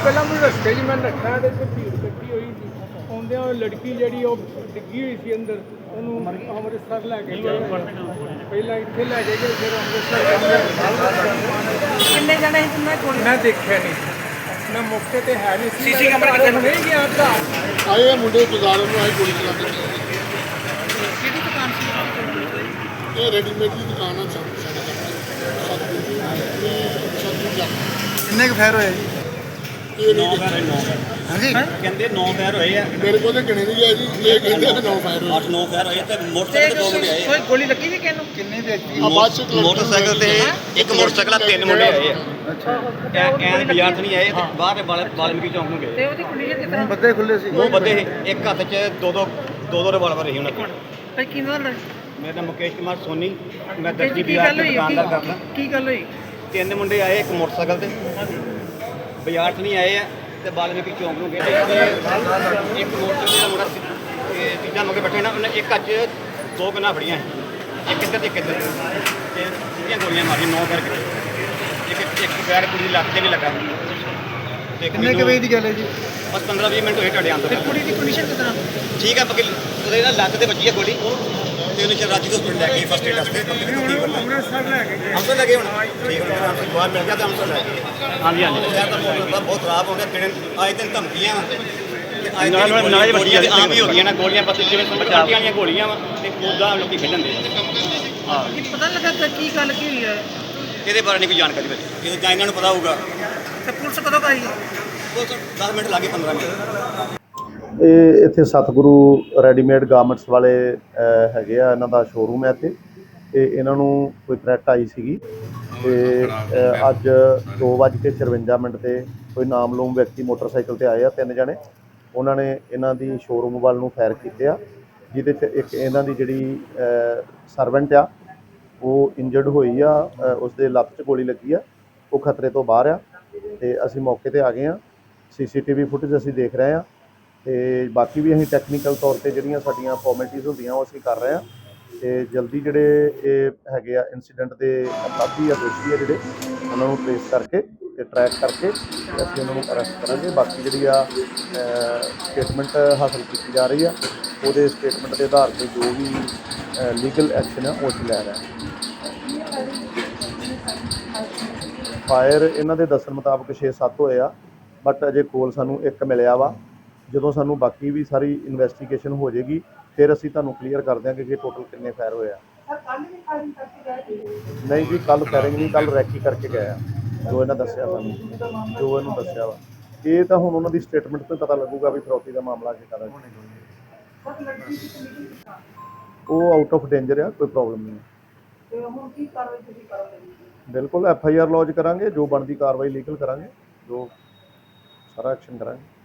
ਪਹਿਲਾਂ ਮੈਨੂੰ ਰਸਤੇ 'ਚ ਮੈਂ ਰੱਖਿਆ ਤੇ ਭੀੜ ਇਕੱਠੀ ਹੋਈ ਸੀ ਆਉਂਦਿਆਂ ਉਹ ਲੜਕੀ ਜਿਹੜੀ ਉਹ ਡਿੱਗੀ ਹੋਈ ਸੀ ਅੰਦਰ ਉਹਨੂੰ ਅੰਮ੍ਰਿਤਸਰ ਲੈ ਕੇ ਗਏ ਪਹਿਲਾਂ ਇੱਥੇ ਲੈ ਕੇ ਗਏ ਫਿਰ ਅੰਮ੍ਰਿਤਸਰ ਕਿੰਨੇ ਜਣੇ ਸੀ ਮੈਂ ਕੋਲ ਮੈਂ ਦੇਖਿਆ ਨਹੀਂ ਮੈਂ ਮੌਕੇ ਤੇ ਹੈ ਨਹੀਂ ਸੀ ਸੀਸੀ ਕੈਮਰਾ ਕਿੱਥੇ ਨਹੀਂ ਗਿਆ ਤਾਂ ਆਏ ਮੁੰਡੇ ਬਾਜ਼ਾਰੋਂ ਨੂੰ ਆਏ ਗੋਲੀ ਚਲਾ ਕੇ ਕਿਹੜੀ ਦੁਕਾਨ ਸੀ ਇਹ ਰੈਡੀਮੇਡ ਦੀ ਦੁਕਾਨ ਆ ਸਾਡੇ ਕਿੰਨੇ ਕੁ ਫੈਰ ਹੋਏ ਜੀ? ਇਹ ਨਹੀਂ ਹਾਂਜੀ ਕਹਿੰਦੇ 9 ਫਾਇਰ ਹੋਏ ਆ, ਮੇਰੇ ਕੋਲ ਤਾਂ ਗਿਣੇ ਨਹੀਂ ਗਿਆ ਜੀ ਇਹ ਕਹਿੰਦੇ ਆ 9 ਫਾਇਰ ਹੋਏ 8-9 ਫਾਇਰ ਹੋਏ ਤੇ ਮੋਟਰਸਾਈਕਲ ਤੇ 2 ਮੁੰਡੇ ਆਏ ਕੋਈ ਗੋਲੀ ਲੱਗੀ ਵੀ ਕਿਹਨੂੰ ਕਿੰਨੇ ਵਿਅਕਤੀ ਆ ਬਾਅਦ ਚ ਮੋਟਰਸਾਈਕਲ ਤੇ ਇੱਕ ਮੋਟਰਸਾਈਕਲ ਆ 3 ਮੁੰਡੇ ਆਏ ਆ ਐਨ ਬਾਜ਼ਾਰ ਤੋਂ ਨਹੀਂ ਆਏ ਤੇ ਬਾਹਰ ਵਾਲਮੀਕੀ ਚੌਂਕ ਨੂੰ ਤੇ ਗਏ। ਉਹਦੀ ਕੰਡੀਸ਼ਨ ਕਿਸ ਤਰ੍ਹਾਂ ਬੱਦੇ ਖੁੱਲੇ ਸੀ ਉਹ ਬੰਦੇ ਇੱਕ ਹੱਥ 'ਚ ਦੋ ਰਿਵਾਲਵਰ ਰਹੀ ਉਹਨਾਂ ਕੋਲ। ਭਾਈ ਕੀ ਗੱਲ ਹੈ ਮੇਰਾ ਨਾਮ ਮੁਕੇਸ਼ ਕੁਮਾਰ ਸੋਨੀ, ਮੈਂ ਕੀ ਦਰਜੀ ਕੀ ਬਾਜ਼ਾਰ ਗੱਲ ਤੇ ਹੋਈ ਦੁਕਾਨਦਾਰ ਕਰਦਾ। ਕੀ ਗੱਲ ਹੋਈ 3 ਮੁੰਡੇ ਆਏ ਇੱਕ ਮੋਟਰਸਾਈਕਲ ਤੇ ਬਾਜ਼ਾਰ 'ਚ ਨਹੀਂ ਆਏ ਆ ਤੇ ਵਾਲਮੀਕੀ ਚੌਂਕ ਨੂੰ ਗਏ ਤੇ ਇੱਕ ਮੋਟਰਸਾਈਕਲ ਦਾ ਮੁੰਡਾ ਤੀਜਾ ਮਗੇ ਬੈਠੇ ਨਾ ਉਹਨੇ ਇੱਕ ਹੱਥ 'ਚ 2 ਗੰਨਾਂ ਫੜੀਆਂ ਸੀ, ਇੱਕ ਇੱਧਰ ਤੇ ਇੱਕ ਇੱਧਰ ਤੇ ਸਿੱਧੀਆਂ ਗੋਲੀਆਂ ਮਾਰੀਆਂ 9 ਕਰਕੇ ਇੱਕ ਬੈਰ ਕੁੜੀ ਦੀ ਲੱਤ ਤੇ ਨਹੀਂ ਲੱਗਾ ਤੇ ਇੱਕ ਕਿੰਨੇ ਕੁ ਵਜੇ ਦੀ ਗੱਲ ਹੈ ਜੀ? ਬਸ 15-20 ਮਿੰਟ ਹੋਏ ਤੁਹਾਡੇ ਆਉਣ ਤੋਂ। ਕੁੜੀ ਦੀ ਕੰਡੀਸ਼ਨ ਕਿਸ ਤਰ੍ਹਾਂ ਠੀਕ ਹੈ ਬਾਕੀ ਉਹਦੇ ਨਾਲ ਲੱਤ ਤੇ ਵੱਜੀ ਹੈ ਗੋਲੀ ਤੇ ਉਹਨੂੰ ਰਾਜੀ ਹਸਪੀਟਲ ਲੈ ਗਏ ਫਸਟ ਏਡ ਵਾਸਤੇ। ਅੰਮ੍ਰਿਤਸਰ ਲੈ ਕੇ ਗਏ ਹਮਸਰ ਲੱਗੇ ਹੁਣ ਠੀਕ ਹੈ ਹਮਸਰ ਬਾਹਰ ਮਿਲ ਗਿਆ ਤਾਂ ਹਮਸਰ ਲੈ ਗਏ। ਹਾਂਜੀ ਸ਼ਹਿਰ ਦਾ ਮਾਹੌਲ ਬਹੁਤ ਖਰਾਬ ਹੋ ਗਿਆ। ਆਏ ਦਿਨ ਧਮਕੀਆਂ ਨਾਲ ਗੋਲੀਆਂ ਆਮ ਹੀ ਹੋ ਗਈਆਂ ਨਾ, ਗੋਲੀਆਂ ਪੱਤੇ ਜਿਵੇਂ ਪਟਾਕਿਆਂ ਵਾਲੀਆਂ ਗੋਲੀਆਂ ਵਾ ਤੇ ਉੱਦਾਂ ਲੋਕੀ ਖੇਡਣ ਦੇ। ਹਾਂ ਕੀ ਪਤਾ ਲੱਗਾ ਕਿ ਕੀ ਗੱਲ ਕੀ ਹੋਈ ਹੈ ਇਹਦੇ ਬਾਰੇ ਨਹੀਂ ਕੋਈ ਜਾਣਕਾਰੀ ਮਿਲੀ, ਇਹ ਜਾਂ ਇਹਨਾਂ ਨੂੰ ਪਤਾ ਹੋਊਗਾ। ਤੇ ਪੁਲਿਸ ਕਦੋਂ ਆਈ ਉਹ 10 ਮਿੰਟ ਲੱਗੇ 15 ਮਿੰਟ। ਇਹ ਇੱਥੇ ਸਤਿਗੁਰੂ ਰੈਡੀਮੇਡ ਗਾਰਮੈਂਟਸ ਵਾਲੇ ਹੈਗੇ ਆ, ਇਹਨਾਂ ਦਾ ਸ਼ੋਰੂਮ ਹੈ ਇੱਥੇ। ਤੇ ਇਹਨਾਂ ਨੂੰ ਕੋਈ ਥ੍ਰੈਟ ਆਈ ਸੀਗੀ ਤੇ ਅੱਜ 2:54 ਤੇ ਕੋਈ ਨਾਮਲੂਮ ਵਿਅਕਤੀ ਮੋਟਰਸਾਈਕਲ ਤੇ ਆਏ ਆ 3 ਜਣੇ। ਉਹਨਾਂ ਨੇ ਇਹਨਾਂ ਦੀ ਸ਼ੋਰੂਮ ਵੱਲ ਨੂੰ ਫਾਇਰ ਕੀਤੇ ਆ, ਜਿਹਦੇ 'ਚ ਇੱਕ ਇਹਨਾਂ ਦੀ ਜਿਹੜੀ ਸਰਵੈਂਟ ਆ ਉਹ ਇੰਜਰਡ ਹੋਈ ਆ, ਉਸਦੇ ਲੱਤ 'ਚ ਗੋਲੀ ਲੱਗੀ ਆ, ਉਹ ਖਤਰੇ ਤੋਂ ਬਾਹਰ ਆ। ਤੇ ਅਸੀਂ ਮੌਕੇ ਤੇ ਆ ਗਏ ਆ, CCTV ਫੁਟੇਜ ਅਸੀਂ ਦੇਖ ਰਹੇ ਆ ਤੇ ਬਾਕੀ ਵੀ ਅਸੀਂ ਟੈਕਨੀਕਲ ਤੌਰ ਤੇ ਜਿਹੜੀਆਂ ਸਾਡੀਆਂ ਫਾਰਮੈਲਿਟੀਜ਼ ਹੁੰਦੀਆਂ ਉਹ ਅਸੀਂ ਕਰ ਰਹੇ ਆ ਤੇ ਜਲਦੀ ਜਿਹੜੇ ਇਹ ਹੈਗੇ ਆ ਇਨਸੀਡੈਂਟ ਦੇ ਅਪਰਾਧੀ ਜਾਂ ਦੋਸ਼ੀ ਆ ਜਿਹੜੇ ਉਹਨਾਂ ਨੂੰ ਟ੍ਰੇਸ ਕਰਕੇ ਤੇ ਟਰੈਕ ਕਰਕੇ ਅਸੀਂ ਉਹਨਾਂ ਨੂੰ ਅਰੈਸਟ ਕਰਾਂਗੇ। ਬਾਕੀ ਜਿਹੜੀ ਆ ਸਟੇਟਮੈਂਟ ਹਾਸਲ ਕੀਤੀ ਜਾ ਰਹੀ ਆ, ਉਹਦੇ ਸਟੇਟਮੈਂਟ ਦੇ ਆਧਾਰ ਤੇ ਜੋ ਵੀ ਲੀਗਲ ਐਕਸ਼ਨ ਆ ਉਹ ਅਸੀਂ ਲੈ ਰਹੇ ਹਾਂ। ਫਾਇਰ ਇਹਨਾਂ ਦੇ ਦੱਸਣ ਮੁਤਾਬਕ 6-7 ਹੋਏ ਆ, ਬਟ ਅਜੇ ਕੋਲ ਸਾਨੂੰ ਇੱਕ ਮਿਲਿਆ ਵਾ। ਜਦੋਂ ਸਾਨੂੰ ਬਾਕੀ ਵੀ ਸਾਰੀ ਇਨਵੈਸਟੀਗੇਸ਼ਨ ਹੋ ਜਾਏਗੀ ਫਿਰ ਅਸੀਂ ਤੁਹਾਨੂੰ ਕਲੀਅਰ ਕਰ ਦਿਆਂਗੇ ਕਿ ਟੋਟਲ ਕਿੰਨੇ ਫਾਇਰ ਹੋਏ ਆ। ਨਹੀਂ ਜੀ, ਕੱਲ ਫਾਇਰਿੰਗ ਨਹੀਂ, ਕੱਲ ਰੈਕੀ ਕਰਕੇ ਗਏ ਆ ਜੋ ਇਹਨਾਂ ਦੱਸਿਆ ਸਾਨੂੰ, ਜੋ ਇਹਨੂੰ ਦੱਸਿਆ ਵਾ। ਇਹ ਤਾਂ ਹੁਣ ਉਹਨਾਂ ਦੀ ਸਟੇਟਮੈਂਟ ਤੋਂ ਪਤਾ ਲੱਗੂਗਾ ਵੀ ਫਰੋਤੀ ਦਾ ਮਾਮਲਾ ਕੀ ਕਰਾਂ। ਉਹ ਆਊਟ ਆਫ ਡੇਂਜਰ ਆ, ਕੋਈ ਪ੍ਰੋਬਲਮ ਨਹੀਂ। ਬਿਲਕੁਲ FIR ਲੌਜ ਕਰਾਂਗੇ, ਜੋ ਬਣਦੀ ਕਾਰਵਾਈ ਲੀਗਲ ਕਰਾਂਗੇ, ਜੋ ਸਾਰਾ ਐਕਸ਼ਨ ਕਰਾਂਗੇ।